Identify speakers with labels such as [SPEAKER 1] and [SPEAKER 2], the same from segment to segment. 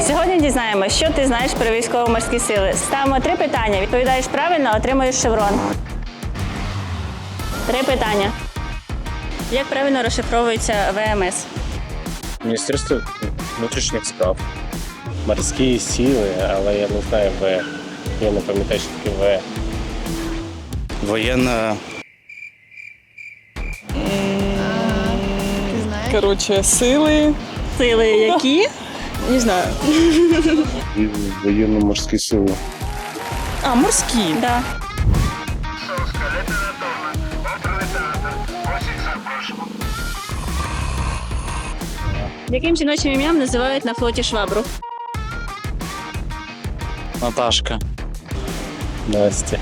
[SPEAKER 1] Сьогодні дізнаємося, що ти знаєш про військово-морські сили. Ставимо 3 питання. Відповідаєш правильно, отримуєш шеврон. 3 питання. Як правильно розшифровується ВМС?
[SPEAKER 2] Міністерство внутрішніх справ. Морські сили, але я не знаю В. Я не пам'ятаю, що таке В.
[SPEAKER 3] Воєнна.
[SPEAKER 4] Коротше, сили.
[SPEAKER 1] Сили які?
[SPEAKER 4] Не знаю.
[SPEAKER 2] Воєнно-морські сили.
[SPEAKER 4] А, морські.
[SPEAKER 1] Да. Яким жіночим ім'ям називають на флоті швабру?
[SPEAKER 3] Наташка.
[SPEAKER 2] Настя.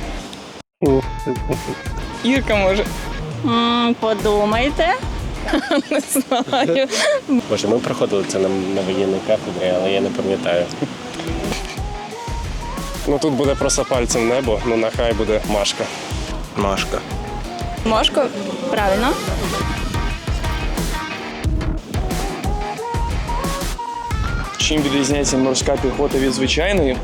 [SPEAKER 4] Ірка, може.
[SPEAKER 1] Подумайте.
[SPEAKER 4] Не знаю.
[SPEAKER 2] Боже, ми проходили це на воєнній кафедрі, але я не пам'ятаю. Ну тут буде просто пальцем небо, ну нехай буде Машка.
[SPEAKER 3] Машка.
[SPEAKER 4] Машко?
[SPEAKER 1] Правильно.
[SPEAKER 5] Чим відрізняється морська піхота від звичайної?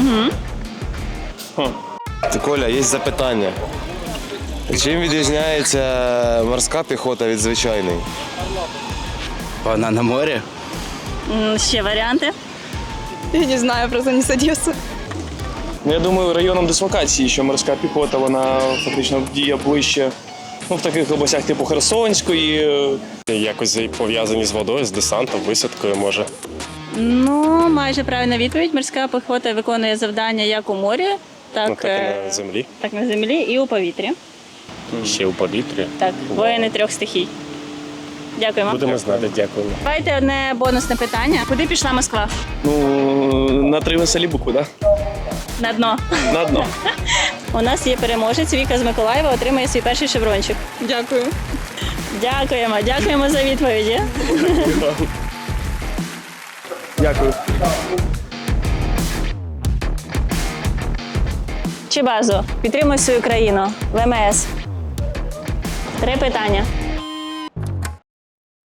[SPEAKER 6] Ти, Коля, є запитання. Чим відрізняється морська піхота від звичайної?
[SPEAKER 3] Вона на морі?
[SPEAKER 1] Ще варіанти.
[SPEAKER 4] Я не знаю, просто не з Одеси.
[SPEAKER 5] Ну, я думаю, районом дислокації, що морська піхота, вона фактично діє ближче в таких областях типу Херсонської.
[SPEAKER 2] Якось пов'язані з водою, з десантом, висадкою, може.
[SPEAKER 1] Ну, майже правильна відповідь. Морська піхота виконує завдання як у морі, так,
[SPEAKER 2] Ну так і на землі.
[SPEAKER 1] так на землі і у повітрі.
[SPEAKER 2] Ще у повітрі.
[SPEAKER 1] Так, воїни 3 стихій. Дякуємо.
[SPEAKER 2] Будемо знати, дякуємо.
[SPEAKER 1] Давайте одне бонусне питання. Куди пішла Москва?
[SPEAKER 5] Ну, на 3 веселі букви, так?
[SPEAKER 1] На дно.
[SPEAKER 5] На дно.
[SPEAKER 1] У нас є переможець. Віка з Миколаєва отримує свій перший шеврончик.
[SPEAKER 4] Дякую.
[SPEAKER 1] Дякуємо за відповіді.
[SPEAKER 5] Дякую.
[SPEAKER 1] Чибазо, підтримуй свою країну. ВМС. 3 питання.